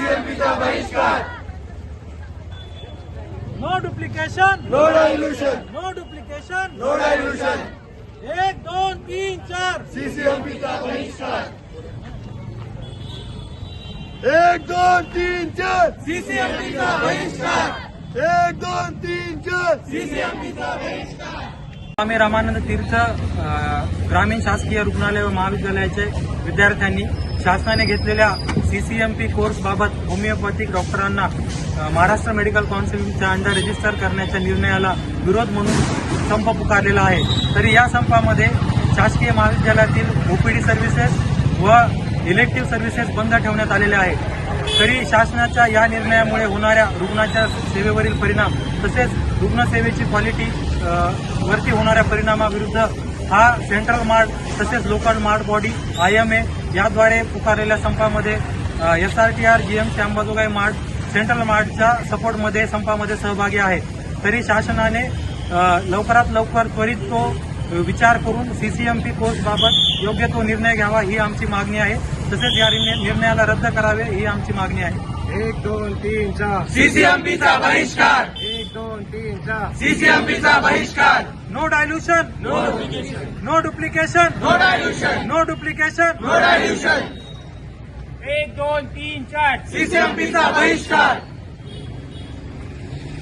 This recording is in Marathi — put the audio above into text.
सीसीएमपीचा बहिष्कार. No duplication, no dilution, no duplication. No dilution. 1 2 3 4. सीसीएमपीचा बहिष्कार. 1 2 3 4. सीसीएमपीचा बहिष्कार. 1 2 3 4. सीसीएमपीचा बहिष्कार. स्वामी रामानंद तीर्थ ग्रामीण शासकीय रुग्णालय व महाविद्यालयाचे विद्यार्थ्यांनी शासनाने घेतलेल्या सीसीएमपी कोर्स बाबत होमिओपॅथिक डॉक्टरांना महाराष्ट्र मेडिकल काउन्सिलच्या अंडर रजिस्टर करण्याच्या निर्णयाला विरोध म्हणून संप पुकारलेला आहे. तरी या संपामध्ये शासकीय महाविद्यालयातील ओपीडी सर्व्हिसेस व इलेक्टिव्ह सर्व्हिसेस बंद ठेवण्यात आलेल्या आहेत. तरी शासनाच्या या निर्णयामुळे होणाऱ्या रुग्णाच्या सेवेवरील परिणाम तसेच रुग्णसेवेची क्वालिटी वरती होणाऱ्या परिणामाविरुद्ध हा सेंट्रल मार्ट तसेच लोकल मार्ट बॉडी IMA याद्वारे पुकारलेल्या संपामध्ये SRTR GMC Ambajogai MARD central मार्टच्या सपोर्टमध्ये संपामध्ये सहभागी आहे. तरी शासनाने लवकरात लवकर त्वरित तो विचार करून सीसीएमपी कोर्स बाबत योग्य तो निर्णय घ्यावा ही आमची मागणी आहे. तसेच या निर्णयाला रद्द करावे ही आमची मागणी आहे. 1 2 3 4. सीसीएमपीचा बहिष्कार. 1 2 3 4. सीसीएमपीचा बहिष्कार. No dilution, no duplication, no duplication, no dilution, no duplication. No dilution. 1 2 3 4. सीसीएमपीचा बहिष्कार.